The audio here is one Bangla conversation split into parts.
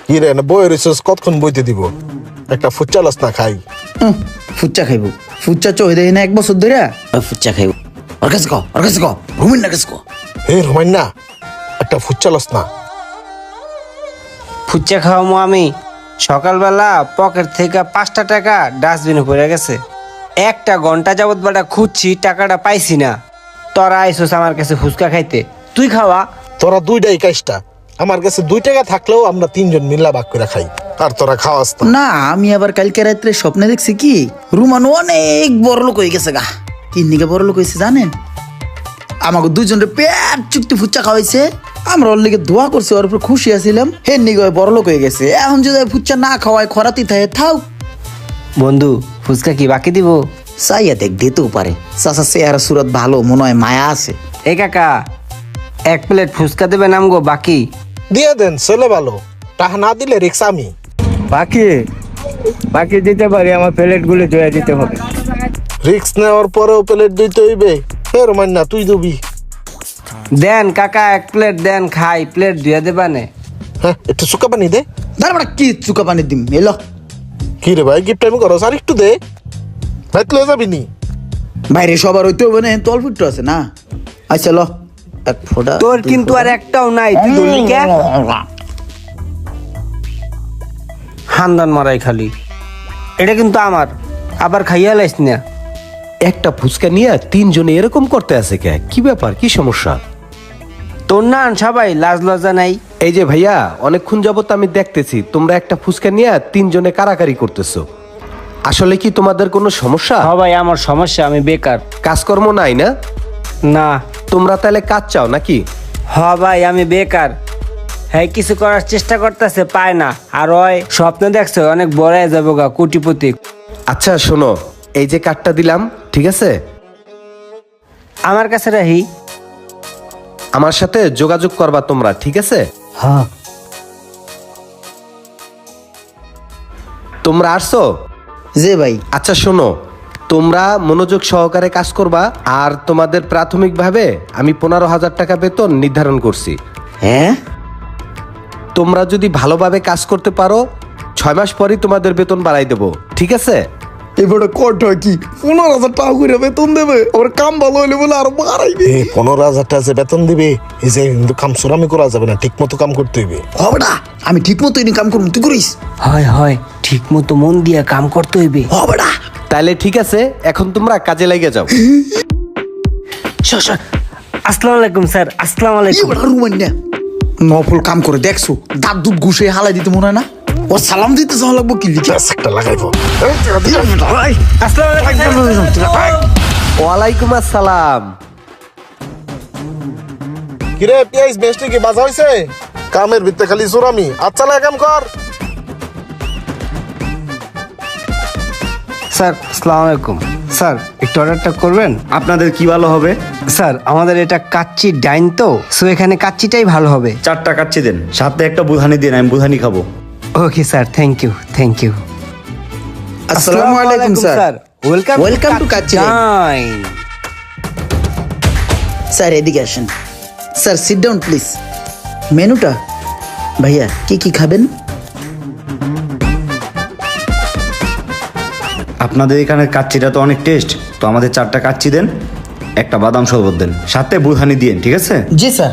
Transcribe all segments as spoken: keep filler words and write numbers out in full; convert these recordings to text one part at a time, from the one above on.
কি রে না বই রিসোর্স কতক্ষণ বইতে দিব একটা ফুচ্চা লস না খাই উম, ফুচ্চা খাইব ফুচ্চা চই দেয় না এক বছর ধরে ফুচ্চা খাইব ওর কাছে কো ওর কাছে কো রুমিন না কাছে কো হে রুমাইন না একটা ফুচ্চা লস না ফুচকা খাওয়ামো আমি সকালবেলা পকেট থেকে পাঁচটা টাকা ডাস্টবিনে পড়ে গেছে একটা ঘন্টা যাবত বেটা খুঁজছি টাকাটা পাইছি না তোরা আইসোস আমার কাছে ফুচকা খাইতে তুই খাওয়া তোরা দুইটাই কাজটা আমার কাছে দুই টাকা থাকলেও আমরা তিনজন মিল্লা ভাগ করে খাই আর তোরা খাওয়াস না না আমি আবার কালকে রাত্রে স্বপ্নে দেখছি কি রুমান অনেক বড় লোক হয়ে গেছে গা কি নিকে বড় লোক হয়েছে জানেন আমাকে দুজনের পেট চুক্তি ফুচ্চা খাওয়াইছে আমরা ওর লিগে দোয়া করছি ওর উপর খুশি আছিলাম হে নিকে বড় লোক হয়ে গেছে এখন যদি ফুচ্চা না খাওয়ায় খরাতি থাকে থাও বন্ধু ফুচকা কি বাকি দিব চাইয়া দেখ দিতেও পারে চাচা চেহারা সুরত ভালো মনে হয় মায়া আছে এ কাকা এক প্লেট ফুচকা দেবে নাম গো বাকি দিয়ে দেন ছেলে ভালো টাকা না দিলে রিক্স আমি বাকি বাকি দিতে পারি আমার প্লেট গুলো ধুয়ে দিতে হবে রিক্স নেওয়ার পরেও প্লেট দিতে হইবে হে রুমাইন না তুই দিবি দেন কাকা এক প্লেট দেন খাই প্লেট ধুয়ে দেবা নে হ্যাঁ একটু শুকা পানি দে দাঁড়া বেটা কি চুকা পানি দিম এলো কি রে ভাই গিফট আমি করো আর একটু দে ভাই তুই যাবি নি বাইরে সবার হইতে হবে না তল ফুটটো আছে না আচ্ছা ল এক ফোঁটা তোর কিন্তু আর একটাও নাই তুই ধরলি কে হান্দান মারাই খালি এটা কিন্তু আমার আবার খাইয়া লাইস না একটা ফুচকা নিয়ে তিনজনে এরকম করতে আছে কে কি ব্যাপার কি সমস্যা তোর না সবাই লাজ লজ্জা নাই এই যে ভাইয়া অনেকক্ষণ যাবত আমি দেখতেছি তোমরা একটা ফুচকা নিয়ে তিনজনে কারাকারি করতেছো আসলে কি তোমাদের কোনো সমস্যা সবাই আমার সমস্যা আমি বেকার কাজকর্ম নাই না না তোমরা তাহলে কাজ চাও নাকি হ ভাই আমি বেকার হ্যাঁ কিছু করার চেষ্টা করতেছে পায় না আর ওই স্বপ্ন দেখছে অনেক বড় হয়ে যাবো গা কোটিপতি আচ্ছা শোনো এই যে কার্ডটা দিলাম ঠিক আছে আমার কাছে রাহি আমার সাথে যোগাযোগ করবা তোমরা ঠিক আছে হ্যাঁ তোমরা আসছো যে ভাই আচ্ছা শোনো তোমরা মনোযোগ সহকারে কাজ করবা আর তোমাদের প্রাথমিকভাবে আমি পনেরো হাজার টাকা বেতন নির্ধারণ করছি হ্যাঁ তোমরা যদি ভালোভাবে কাজ করতে পারো ছয় মাস পরই তোমাদের বেতন বাড়াই দেবো ঠিক আছে এবারে কট হয় কি পনেরো হাজার টাকা করে বেতন দেবে আবার কাম ভালো হলে বলে আরো বাড়াইবে এই পনেরো হাজার টাকা যে বেতন দিবে এই যে কিন্তু কাম সুরামি করা যাবে না ঠিক মতো কাম করতে হইবে হবে না আমি ঠিক মতো কাম করবো তুই করিস হয় হয় ঠিক মতো মন দিয়ে কাম করতে হইবে হবে না তাহলে ঠিক আছে এখন তোমরা কাজে লেগে যাও আসসালামু আলাইকুম স্যার আসসালামু আলাইকুম এবার রুমান না নফল কাম করে দেখছো দাঁত দুধ ঘুষে হালাই দিতে মনে হয় না ও সালাম দিতে যাওয়া লাগবো কি লিখে ব্যাস একটা লাগাইবো আসসালামু আলাইকুম ওয়ালাইকুম আসসালাম কিরে পিয়াইস বেস্টি কি বাজা হইছে কামের ভিতরে খালি সুরামি আচ্ছা লাগে কাম কর স্যার আসসালামু আলাইকুম স্যার একটু অর্ডারটা করবেন আপনাদের কি ভালো হবে স্যার আমাদের এটা কাচ্চি ডাইন তো সো এখানে কাচ্চিটাই ভালো হবে চারটা কাচ্চি দেন সাথে একটা বুধানি দিন আমি বুধানি খাবো okay sir thank you thank you আসসালামু আলাইকুম sir welcome Welcome to Kacchi dine. Dine sir এদিকে আসেন স্যার সিট ডাউন প্লিজ মেনুটা ভাইয়া কি কি খাবেন আপনাদের এখানে কাচ্চিটা তো অনেক টেস্ট তো আমাদের চারটা কাচ্চি দেন একটা বাদাম শরবত দেন সাথে বুধানি দিন ঠিক আছে জি স্যার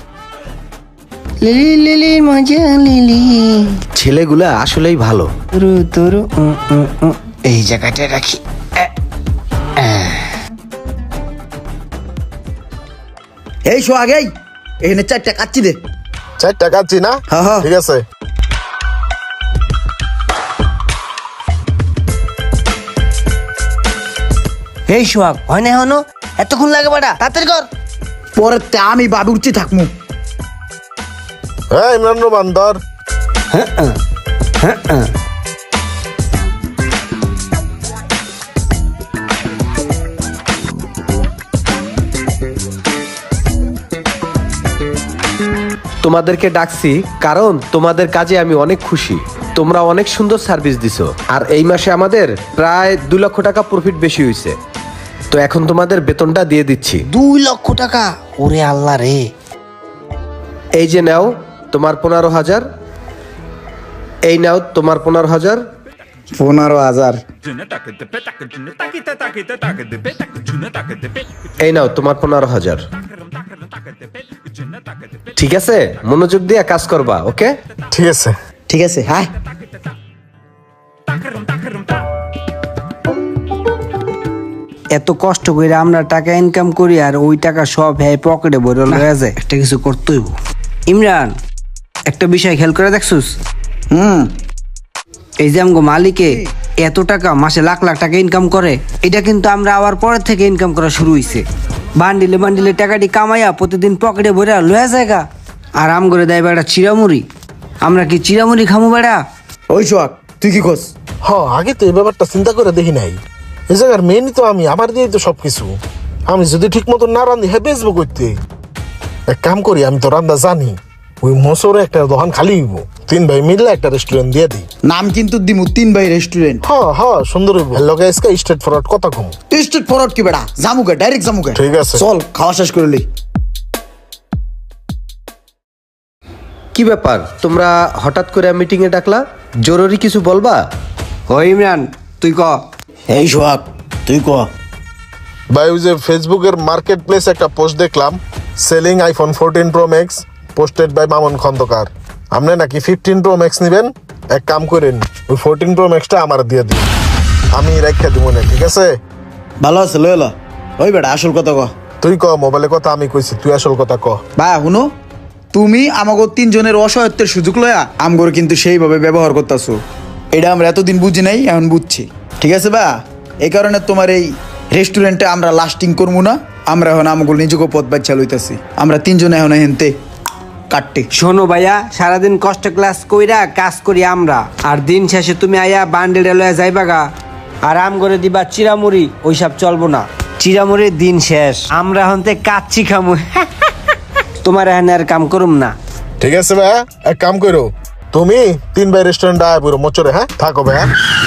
লিলি লিলি মজা লিলি ছেলেগুলা আসলেই ভালো তুরু তুরু উম, উম, উম। এই জায়গাটা রাখি এই শো আগেই এখানে চারটা কাচ্চি দে চার টাকা আছি না হ্যাঁ, হ্যাঁ। ঠিক আছে এই সোহাগ হয় না হনো এতক্ষণ লাগে বাড়া তাড়াতাড়ি কর পরে তে আমি বাবু উঠছি থাকমু হ্যাঁ ইমরান রহমান ধর তোমাদেরকে ডাকছি কারণ তোমাদের কাজে আমি অনেক খুশি তোমরা অনেক সুন্দর সার্ভিস দিছো আর এই মাসে আমাদের প্রায় দুই লক্ষ টাকা প্রফিট বেশি হয়েছে তো এখন তোমাদের বেতনটা দিয়ে দিচ্ছি দুই লক্ষ টাকা ওরে আল্লাহ রে এই যে নাও তোমার পনেরো হাজার এই নাও তোমার পনেরো হাজার। পনেরো হাজার এই নাও তোমার পনেরো হাজার। ঠিক আছে, মনোযোগ দিয়ে কাজ করবা, ওকে? ঠিক আছে। ঠিক আছে, হ্যাঁ। এত কষ্ট করে আমরা টাকা ইনকাম করি আর ওই টাকা সব হ্যাঁ পকেটে ভরে লয়ে যায়। একটা কিছু করতে হইব। ইমরান, একটা বিষয় খেয়াল করে দেখছুস? হুম। এই যে আমগো মালিকে এত টাকা মাসে লাখ লাখ টাকা ইনকাম করে, এটা কিন্তু আমরা আবার পরের থেকে ইনকাম করা শুরু হইছে। বান্ডিলে বান্ডিলে টাকাটি কামাইয়া প্রতিদিন পকেটে ভরে লয়ে জায়গা আর আম করে দেয় বেড়া চিরামুড়ি। আমরা কি চিরামুড়ি খামু বেড়া? ওই সোহাগ, তুই কি করস? হ, আগে তো এই ব্যাপারটা চিন্তা করে দেখি নাই। এই জায়গার মেনই তো আমি, আমার দিয়েই তো সবকিছু। আমি যদি ঠিক মতো না রান্ধি, হ্যাঁ বেচবো করতে। এক কাম করি, আমি তো রান্না জানি, ওই মোসরে একটা দোকান খালি হইব, তিন ভাই মিললে একটা রেস্টুরেন্ট দিয়ে দিই। নাম কিন্তু দিমু তিন ভাই রেস্টুরেন্ট। হ হ, সুন্দর হইব। লগে আজকে স্ট্রেট ফরওয়ার্ড কথা কম। স্ট্রেট ফরওয়ার্ড কি বেড়া? জামুকে ডাইরেক্ট জামুকে। ঠিক আছে। চল খাওয়া শেষ করে লই। কি ব্যাপার, তোমরা হঠাৎ করে মিটিং এ ডাকলা? জরুরি কিছু বলবা? ও ইমরান, তুই ক। এই সোহাগ, তুই ক। ভাই, ওই যে ফেসবুকের মার্কেট প্লেস একটা পোস্ট দেখলাম, selling iPhone fourteen pro max, posted by Mamun Khandakar. আপনি নাকি ফিফটিন প্রো ম্যাক্স নেবেন? এক কাম করেন, ওই ফোরটিন প্রো ম্যাক্সটা আমার দিয়ে দিন, আমি রেখে দিব না, ঠিক আছে? ভালো আছে, লই লো। ওই বেটা আসল কথা ক। তুই ক, মোবাইলের কথা আমি কইছি, তুই আসল কথা ক। বা শুনো, তুমি আমাকে তিনজনের অসহায়ত্বের সুযোগ লয়া আমগর কিন্তু সেইভাবে ব্যবহার করতেছো। এটা আমরা এতদিন বুঝি নাই, এখন বুঝছি। ঠিক আছে বা, এই কারণে তোমার এই রেস্টুরেন্টে আমরা লাস্টিং করবো না। আমরা এখন আমগুলো নিজেকে পথ বাচ্চা লইতেছি। আমরা তিনজনে এখন হেনতে কাটতে। শোনো ভাইয়া, সারাদিন কষ্ট ক্লাস কইরা কাজ করি আমরা, আর দিন শেষে তুমি আয়া বান্ডেল লয়ে যাইবা গা আর আম করে দিবা চিরামুড়ি। ওইসব চলবো না, চিরামুড়ির দিন শেষ। আমরা হন্তে কাচ্চি খামু। তোমার এখানে আর কাম করুম না। ঠিক আছে ভাই, এক কাম করো, তুমি তিন ভাই রেস্টুরেন্ট আয় পুরো মোচরে, হ্যাঁ থাকো ভাই।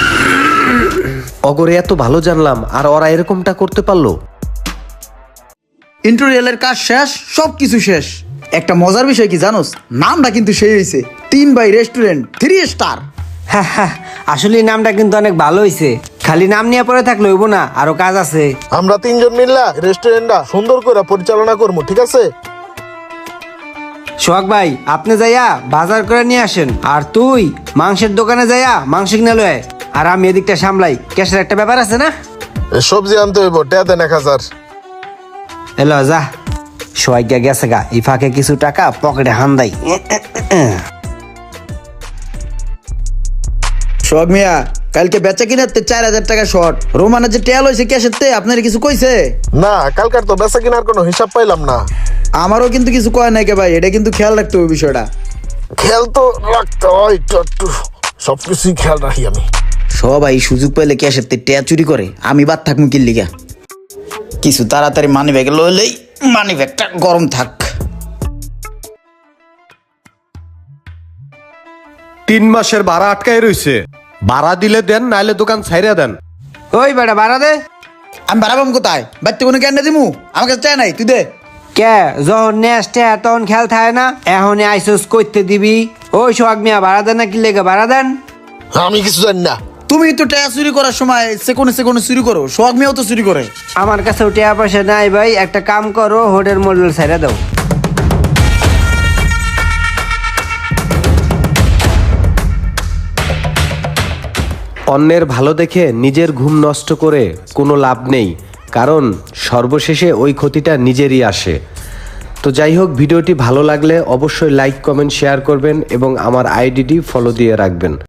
অগরে এত ভালো জানলাম, আর ওরা এরকমটা করতে পারলো? ইন্টেরিয়ালের কাজ শেষ, সব কিছু শেষ। একটা মজার বিষয় কি জানোস? নামটা কিন্তু সেই হয়েছে, তিন বাই রেস্টুরেন্ট থ্রি স্টার। আসলে এই নামটা কিন্তু অনেক ভালো হইছে। খালি নাম নিয়ে পরে থাকলে হইব না, আরো কাজ আছে। আমরা তিনজন মিললা রেস্টুরেন্টটা সুন্দর করে পরিচালনা করবো, ঠিক আছে? সোহাগ ভাই, আপনি যাইয়া বাজার করে নিয়ে আসেন, আর তুই মাংসের দোকানে যাইয়া মাংস কিনে লয়, আর আমি এদিকটা সামলাই। ক্যাশের একটা ব্যাপার আছে না? এ সবজি আনতে হইব, টেয়া দেন এক হাজার। এলো যা। সোহাগ গা গেছে গা, এই ফাঁকে কিছু টাকা পকেটে হান্দাই। সোহাগ মিয়া, কালকে বেচা কিনাতে চার হাজার টাকা শর্ট। রোমানের যে টেল হয়েছে ক্যাশের তে, আপনার কিছু কইছে? না, কালকার তো বেচা কিনার কোনো হিসাব পাইলাম না। আমারও কিন্তু কিছু কয় নাই কে ভাই, এটা কিন্তু খেয়াল রাখতে হবে বিষয়টা। খেয়াল তো রাখতে হয়, একটু একটু সবকিছুই খেয়াল রাখি আমি। সবাই সুযোগ পাইলে ক্যাশের তে টেয়া চুরি করে, আমি বাদ থাকবো কি লিগা? কিছু তাড়াতাড়ি মানি ব্যাগে লইলেই মানি ব্যাগটা গরম থাক। তিন মাসের ভাড়া আটকায় রইছে, ভাড়া দিলে দেন, নাইলে দোকান ছাইরা দেন। ওই বেটা বাড়া দে। আমি বাড়াবাম কোথায়? বাড়িতে কোনো ক্যান্ডা দিমু? আমার কাছে চাই নাই, তুই দে। কে যখন নেস্টে তখন খেয়াল থাকে না? এখন আইসোস করতে দিবি? ওই সোহাগ মিয়া, ভাড়া দেন না কি লেগে? ভাড়া দেন। আমি কিছু জানি না। তুমি তো টেয়া চুরি করার সময় সেকোনে সেকোনে চুরি করো, সোহাগ মিয়াও তো চুরি করে। আমার কাছে টাকা পয়সা নাই ভাই, একটা কাম করো, হোটেল মডেল ছেড়ে দাও। অন্যের ভালো দেখে নিজের ঘুম নষ্ট করে কোনো লাভ নেই, কারণ সর্বশেষে ওই ক্ষতিটা নিজেরই আসে। তো যাই হোক, ভিডিওটি ভালো লাগলে অবশ্যই লাইক কমেন্ট শেয়ার করবেন এবং আমার আইডিটি ফলো দিয়ে রাখবেন।